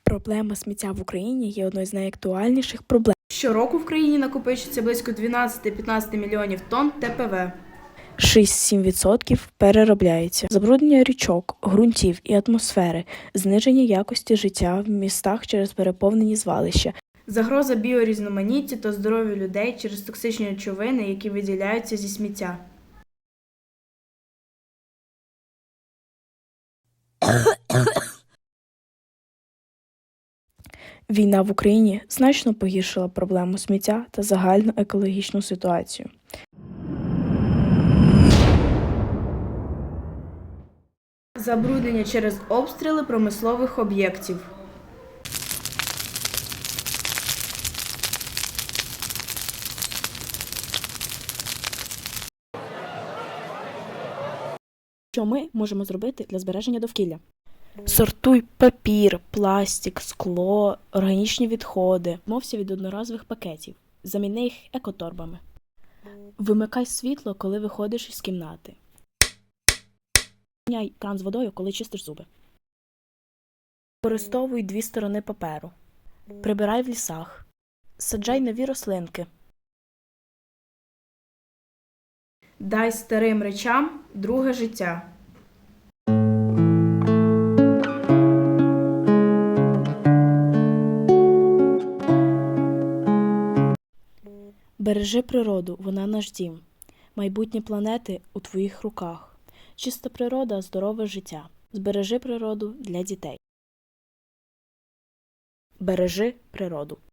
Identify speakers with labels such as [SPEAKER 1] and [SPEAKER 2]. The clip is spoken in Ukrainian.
[SPEAKER 1] Проблема сміття в Україні є одною з найактуальніших проблем.
[SPEAKER 2] Щороку в країні накопичується близько 12-15 мільйонів тонн ТПВ.
[SPEAKER 1] 6-7% переробляється. Забруднення річок, ґрунтів і атмосфери, зниження якості життя в містах через переповнені звалища.
[SPEAKER 2] Загроза біорізноманіттю та здоров'ю людей через токсичні речовини, які виділяються зі сміття.
[SPEAKER 1] Війна в Україні значно погіршила проблему сміття та загальну екологічну ситуацію.
[SPEAKER 2] Забруднення через обстріли промислових об'єктів.
[SPEAKER 1] Що ми можемо зробити для збереження довкілля? Сортуй папір, пластик, скло, органічні відходи. Відмовся від одноразових пакетів. Заміни їх екоторбами. Вимикай світло, коли виходиш із кімнати. Міняй кран з водою, коли чистиш зуби. Використовуй 2 сторони паперу. Прибирай в лісах. Саджай нові рослинки.
[SPEAKER 2] Дай старим речам друге життя.
[SPEAKER 1] Бережи природу, вона наш дім. Майбутнє планети у твоїх руках. Чиста природа – здорове життя. Збережи природу для дітей. Бережи природу.